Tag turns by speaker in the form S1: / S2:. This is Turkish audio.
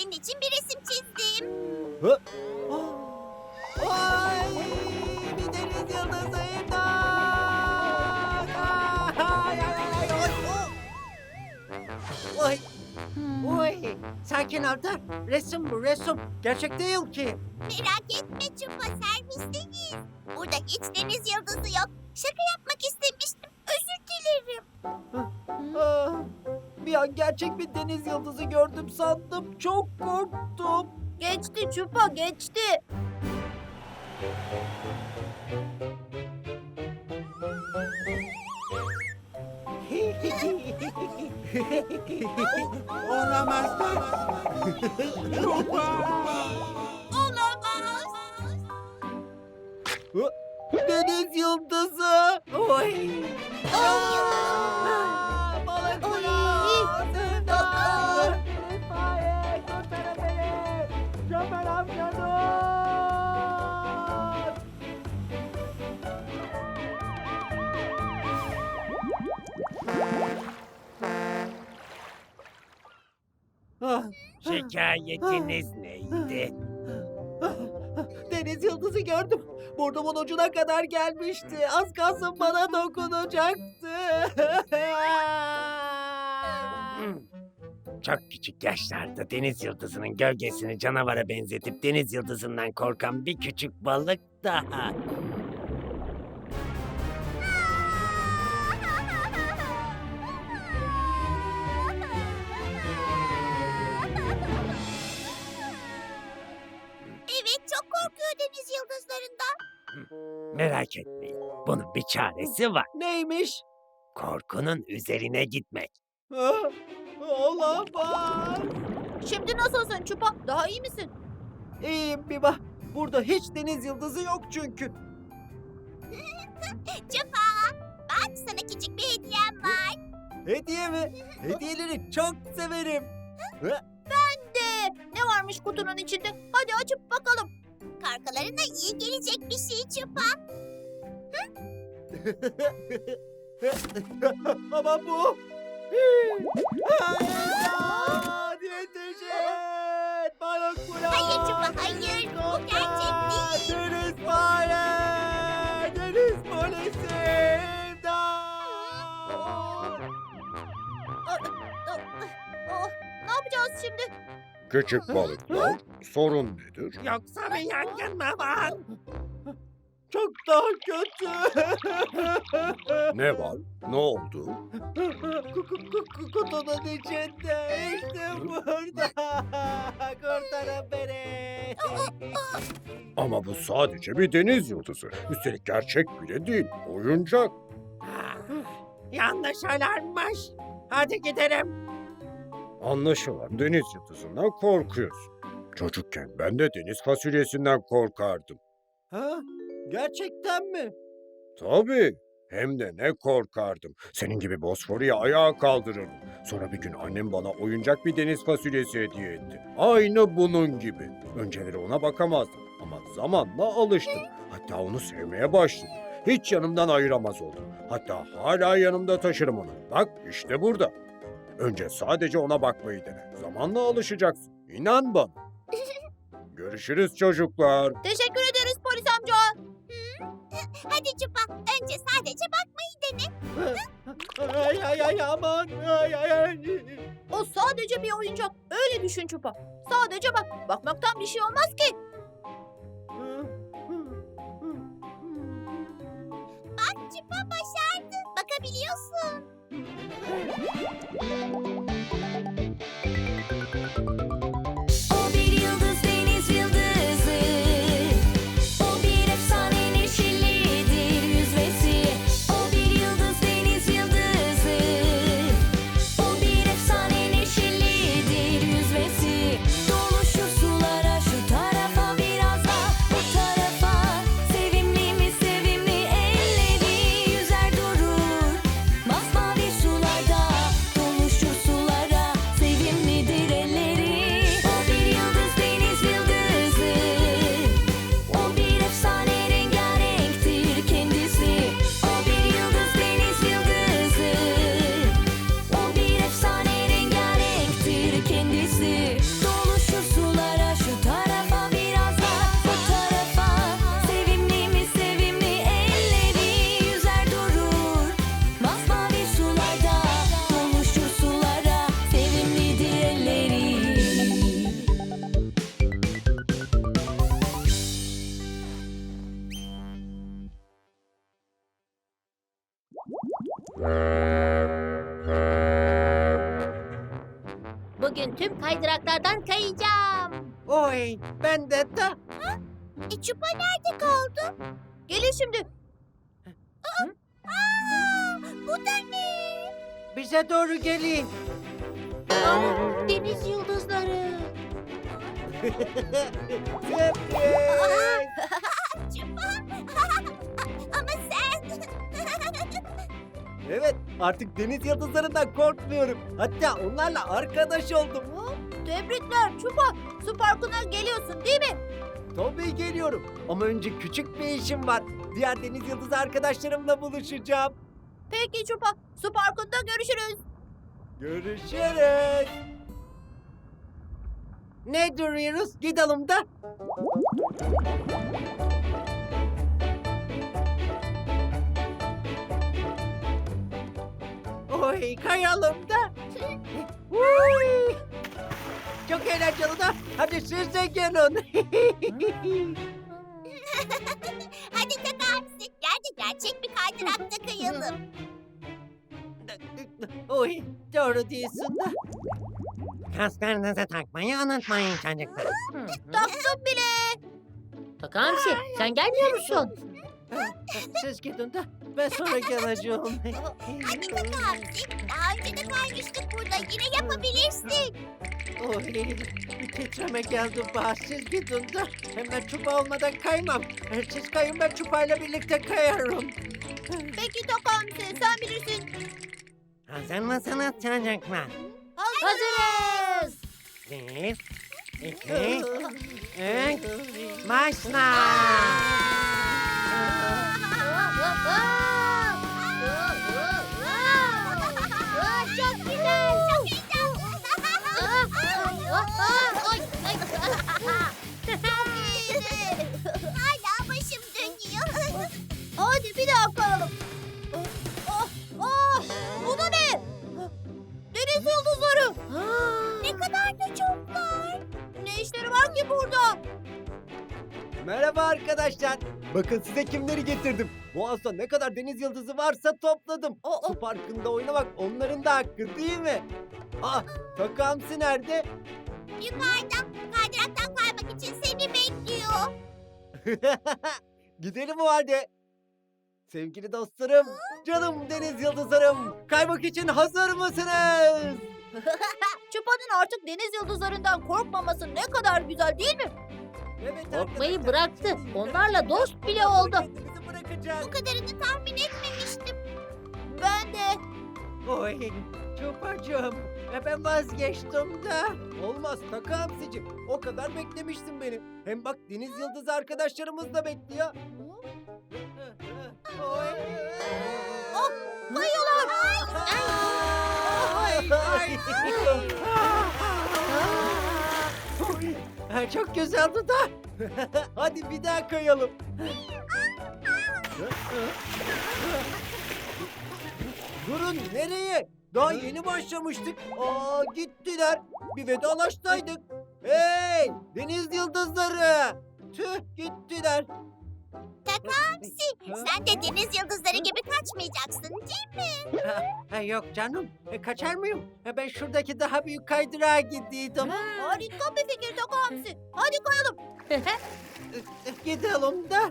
S1: senin için bir resim çizdim.
S2: Hı? Ay, bir deniz yıldızı imdat! Ay, ay, ay, ay, oy, oy. Oy, sakin ol da. Resim bu, resim. Gerçek değil ki.
S1: Merak etme Çupa, servisteyiz. Burada hiç deniz yıldızı yok. Şaka yapmak istemiştim. Özür dilerim.
S2: Ah, bir an gerçek bir deniz yıldızı gördüm sandım. Çok korktum.
S1: Geçti Çupa, geçti.
S2: Olamaz da.
S1: Olamaz.
S2: Deniz yıldızı. Oy.
S1: Ay.
S2: Balıklar.
S1: Oy.
S2: Sığınlar. İtfaiye kurtarın beni. Şoför amca dur. Ah,
S3: Şikayetiniz neydi?
S2: Deniz yıldızı gördüm. Burnumun ucuna kadar gelmişti. Az kalsın bana dokunacaktı.
S3: Çok küçük yaşlarda deniz yıldızının gölgesini canavara benzetip deniz yıldızından korkan bir küçük balık daha.
S1: Evet, çok korkuyor deniz yıldızlarından.
S3: Merak etmeyin, bunun bir çaresi var.
S2: Neymiş?
S3: Korkunun üzerine gitmek.
S2: Ah, olamaz.
S1: Şimdi nasılsın Çupa? Daha iyi misin?
S2: İyiyim Biba. Burada hiç deniz yıldızı yok çünkü.
S1: Çupa, bak sana küçük bir hediyem var.
S2: Hediye mi? Hediyeleri çok severim.
S1: Ne varmış kutunun içinde? Hadi açıp bakalım. Karkalarına iyi gelecek bir şey Çupa.
S2: Ama bu... Hayır! Yetişin! Balıklar!
S1: Hayır Çupa, hayır. Bu gerçek değil.
S2: Deniz fare! Deniz polisi! İmdat!
S1: Oh, ne yapacağız şimdi?
S4: Küçük balıklar, sorun nedir?
S3: Yoksa bir yangın mı var?
S2: Çok daha kötü!
S4: Ne var? Ne oldu?
S2: Kutunun içinde, işte burada! Kurtarın beni!
S4: Ama bu sadece bir deniz yıldızı. Üstelik gerçek bile değil, oyuncak.
S3: Yanlış alarmmış. Hadi gidelim.
S4: Anlaşılan deniz yıldızından korkuyorsun. Çocukken ben de deniz fasulyesinden korkardım.
S2: Ha? Gerçekten mi?
S4: Tabii. Hem de ne korkardım. Senin gibi Bosfor'u ayağa kaldırırdım. Sonra bir gün annem bana oyuncak bir deniz fasulyesi hediye etti. Aynı bunun gibi. Önceleri ona bakamazdım ama zamanla alıştım. Hatta onu sevmeye başladım. Hiç yanımdan ayıramaz oldum. Hatta hala yanımda taşırım onu. Bak işte burada. Önce sadece ona bakmayı dene. Zamanla alışacaksın. İnan bana. Görüşürüz çocuklar.
S1: Teşekkür ederiz polis amca. Hadi Çupa, önce sadece bakmayı dene.
S2: Ay ay ay aman! Ay ay ay!
S1: O sadece bir oyuncak. Öyle düşün Çupa. Sadece bak. Bakmaktan bir şey olmaz ki. Bak Çupa başardı. Bakabiliyorsun.
S5: O bir yıldız, deniz yıldızı. O bir efsane, neşelidir yüzmesi. O bir yıldız, deniz yıldızı. O bir efsane, neşelidir yüzmesi. Doluşur sulara, şu tarafa biraz da bu tarafa. Sevimli mi sevimli, elleri yüzer durur. Masmavi sularda doluşur sulara.
S1: bugün tüm kaydıraklardan kayacağım.
S2: Oy, ben de.
S1: Çupa nerede kaldı? Gelin şimdi. Bu da ne?
S2: Bize doğru gelin.
S1: Deniz yıldızları.
S2: Sürpriz.
S1: Çupa. Ama sen.
S2: Evet, artık deniz yıldızlarından korkmuyorum. Hatta onlarla arkadaş oldum.
S1: Tebrikler Çupa. Su parkına geliyorsun değil mi?
S2: Tabii geliyorum. Ama önce küçük bir işim var. Diğer deniz yıldızı arkadaşlarımla buluşacağım.
S1: Peki Çupa. Su parkında görüşürüz.
S2: Görüşürüz. Ne duruyoruz? Gidelim de. Oy, kayalım da. Uy. Çok eğlenceli da. Hadi siz de gelin.
S1: Hadi Takamsi. Gel de gerçek bir kaydırakta kayalım.
S2: Oy, doğru diyorsun da.
S3: Kasklarınızı takmayı unutmayın çocuklar.
S1: Taktım bile.
S6: Takamsi sen gelmiyor musun?
S2: Siz gidin de ben sonra geleceğim.
S1: Hadi Takamsi. Daha önce de kaymıştık burada. Yine yapabilirsin.
S2: Oy, bir titreme geldi bana. Siz gidin de hemen çupa olmadan kaymam. Siz kayın, ben çupayla birlikte kayarım.
S1: Peki Takamsi sen bilirsin.
S3: Hazır mısınız çocuklar?
S1: Hazırız.
S3: 1, 2, 3, başla!
S1: Çok güzel. Çok heyecanlı. Çok iyiydi. Hala başım dönüyor. Hadi bir daha kayalım. Bu da ne? Deniz yıldızları. Ne kadar da çoklar. Ne işleri var ki burada?
S2: Merhaba arkadaşlar. Bakın size kimleri getirdim. Boğaz'da ne kadar deniz yıldızı varsa topladım. Su parkında oynamak onların da hakkı değil mi? Aa, Takamsi nerede?
S1: Yukarıda kaydıraktan kaymak için seni bekliyor.
S2: Gidelim o halde. Sevgili dostlarım, canım deniz yıldızlarım. Kaymak için hazır mısınız?
S1: Çupa'nın artık deniz yıldızlarından korkmaması ne kadar güzel değil mi?
S2: Evet,
S6: Korkmayı
S2: arkadaşlar,
S6: bıraktı.
S2: şimdi
S6: Onlarla dost bile
S2: birazdan
S6: oldu.
S2: kendimizi bırakacak.
S1: Bu kadarını tahmin etmemiştim. Ben de.
S2: Oy, Çupacığım. Ben vazgeçtim de. Olmaz Takamsi'cim. O kadar beklemiştin beni. Hem bak deniz yıldızı arkadaşlarımız da bekliyor. Oy.
S1: Oh, kayıyorlar.
S2: Ay, ay. Oy, çok güzeldi da. Hadi bir daha kayalım. Durun, nereye? Daha yeni başlamıştık. Aa, gittiler. Bir vedalaşsaydık. Hey, deniz yıldızları. Tüh, gittiler.
S1: Takamsi, sen de deniz yıldızları gibi kaçmayacaksın değil mi?
S2: Yok canım. Kaçar mıyım? Ben şuradaki daha büyük kaydırağa gidiyordum.
S1: Harika bir fikir Takamsi. Hadi kayalım.
S2: Gidelim de.